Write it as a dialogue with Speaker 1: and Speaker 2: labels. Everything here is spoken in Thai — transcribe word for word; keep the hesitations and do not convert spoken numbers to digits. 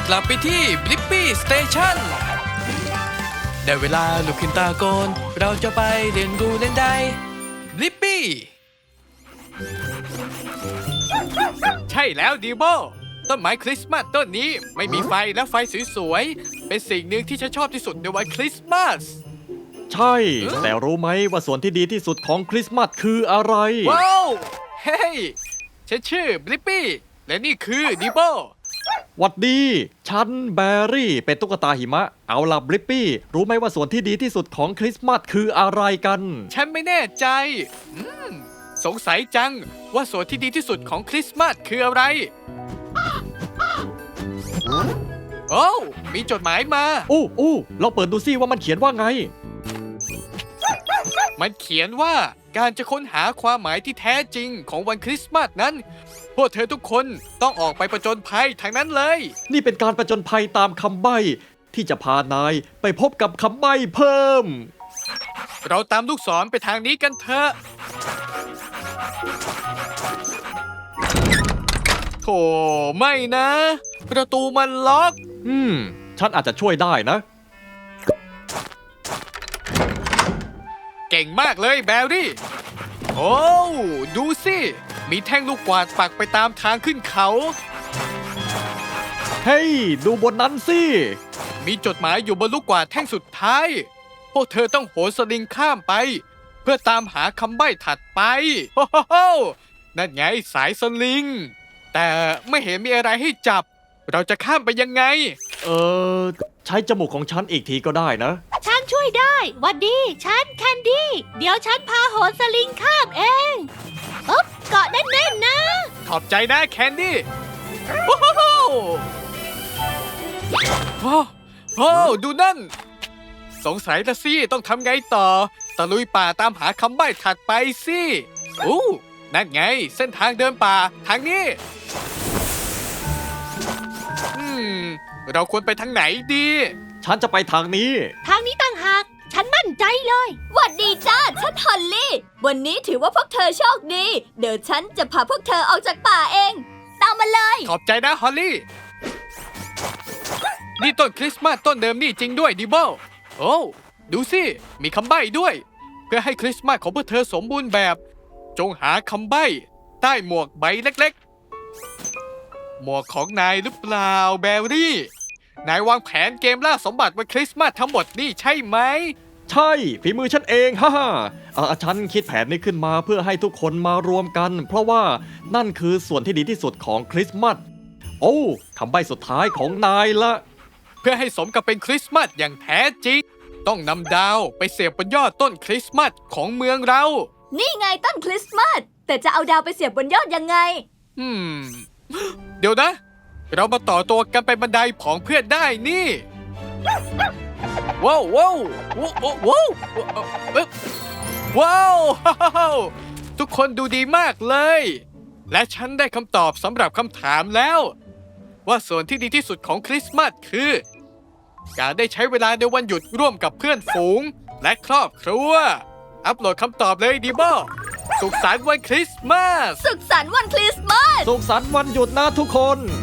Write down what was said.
Speaker 1: กลับไปที่บลิปปี้สเตชันได้เวลาลุกขึ้นตาโกนเราจะไปเรียนรู้เล่นได้บลิปปี้ใช่แล้วดีโบต้นไม้คริสต์มาสต้นนี้ไม่มีไฟและไฟสวยๆเป็นสิ่งหนึ่งที่ฉันชอบที่สุดในวันคริสต์มาส
Speaker 2: ใช่ แต่รู้ไหมว่าส่วนที่ดีที่สุดของคริสต์มาสคืออะไร
Speaker 1: ว้าวเฮ้ยฉันชื่อบลิปปี้และนี่คือดีโบ
Speaker 2: หวัดดี ฉันแบรี่เป็นตุ๊กตาหิมะ เอาล่ะบลิปปี้ รู้ไหมว่าส่วนที่ดีที่สุดของคริสต์มาสคืออะไรกัน
Speaker 1: ฉันไม่แน่ใจอืมสงสัยจังว่าส่วนที่ดีที่สุดของคริสต์มาสคืออะไรโอ้วมีจดหมายมา
Speaker 2: อู้อู้ลองเปิดดูซิว่ามันเขียนว่าไง
Speaker 1: มันเขียนว่าการจะค้นหาความหมายที่แท้จริงของวันคริสต์มาสนั้น พวกเธอทุกคนต้องออกไปประจนภัยทางนั้นเลย
Speaker 2: นี่เป็นการประจนภัยตามคำใบ้ที่จะพานายไปพบกับคำใบ้เพิ่ม
Speaker 1: เราตามลูกศรไปทางนี้กันเถอะโธ่ไม่นะ ประตูมันล็อก
Speaker 2: อืม ฉันอาจจะช่วยได้นะ
Speaker 1: เก่งมากเลยแบรี่ โอ้ ดูสิ มีแท่งลูกกวาดปักไปตามทางขึ้นเขา
Speaker 2: เฮ้ย ดูบนนั้นสิ
Speaker 1: มีจดหมายอยู่บนลูกกวาดแท่งสุดท้าย พวกเธอต้องโหนสลิงข้ามไป เพื่อตามหาคำใบ้ถัดไปโฮโฮโฮนั่นไงสายสลิง แต่ไม่เห็นมีอะไรให้จับ เราจะข้ามไปยังไง
Speaker 2: เออ ใช้จมูกของฉันอีกทีก็ได้นะ
Speaker 3: ฉันช่วยได้หวัดดี ฉันแคนดี้ เดี๋ยวฉันพาโหนสลิงข้ามเองอ๊บเกาะแน่นๆนะ
Speaker 1: ขอบใจนะแคนดี้โอ้โหโอ้โหดูนั่น สงสัยละสิต้องทำไงต่อ ตะลุยป่าตามหาคำใบ้ถัดไปสิอู้นั่นไง เส้นทางเดินป่าทางนี้ อืม เราควรไปทางไหนดี
Speaker 2: ฉันจะไปทางนี้
Speaker 3: ทางนี้ต่างหาก ฉันมั่นใจเลย
Speaker 4: หวัดดีจ้า ฉันฮอลลี่ วันนี้ถือว่าพวกเธอโชคดี เดี๋ยวฉันจะพาพวกเธอออกจากป่าเอง ตามมาเลย
Speaker 1: ขอบใจนะฮอลลี่ นี่ต้นคริสต์มาสต้นเดิมนี่จริงด้วยดิโบโอ้ดูสิ มีคำใบ้ด้วย เพื่อให้คริสต์มาสของพวกเธอสมบูรณ์แบบ จงหาคำใบ้ใต้หมวกใบเล็กๆ หมวกของนายหรือเปล่าแบรี่ นายวางแผนเกมล่าสมบัติวันคริสต์มาสทั้งหมดนี่ใช่ไหม
Speaker 2: ใช่ฝีมือฉันเองฮ่าฮ่าเอ่อฉันคิดแผนนี้ขึ้นมาเพื่อให้ทุกคนมารวมกัน เพราะว่านั่นคือส่วนที่ดีที่สุดของคริสต์มาส โอ้คำใบ้สุดท้ายของนายละ
Speaker 1: เพื่อให้สมกับเป็นคริสต์มาสอย่างแท้จริง ต้องนำดาวไปเสียบบนยอดต้นคริสต์มาสของเมืองเรา
Speaker 4: นี่ไงต้นคริสต์มาส แต่จะเอาดาวไปเสียบบนยอดยังไง
Speaker 1: อืม เดี๋ยวนะ เรามาต่อตัวกันไปบันไดของเพื่อนได้นี่ ว้าวว้าวว้าวว้าวว้าวว้าวทุกคนดูดีมากเลย และฉันได้คำตอบสำหรับคำถามแล้ว ว่าส่วนที่ดีที่สุดของคริสต์มาสคือ การได้ใช้เวลาในวันหยุดร่วมกับเพื่อนฝูงและครอบครัว อัปโหลดคำตอบเลยดีบอสุขสันต์วันคริสต์มาส
Speaker 4: สุขสันต์วันคริสต์มาส
Speaker 2: สุขสันต์วันหยุดนะทุกคน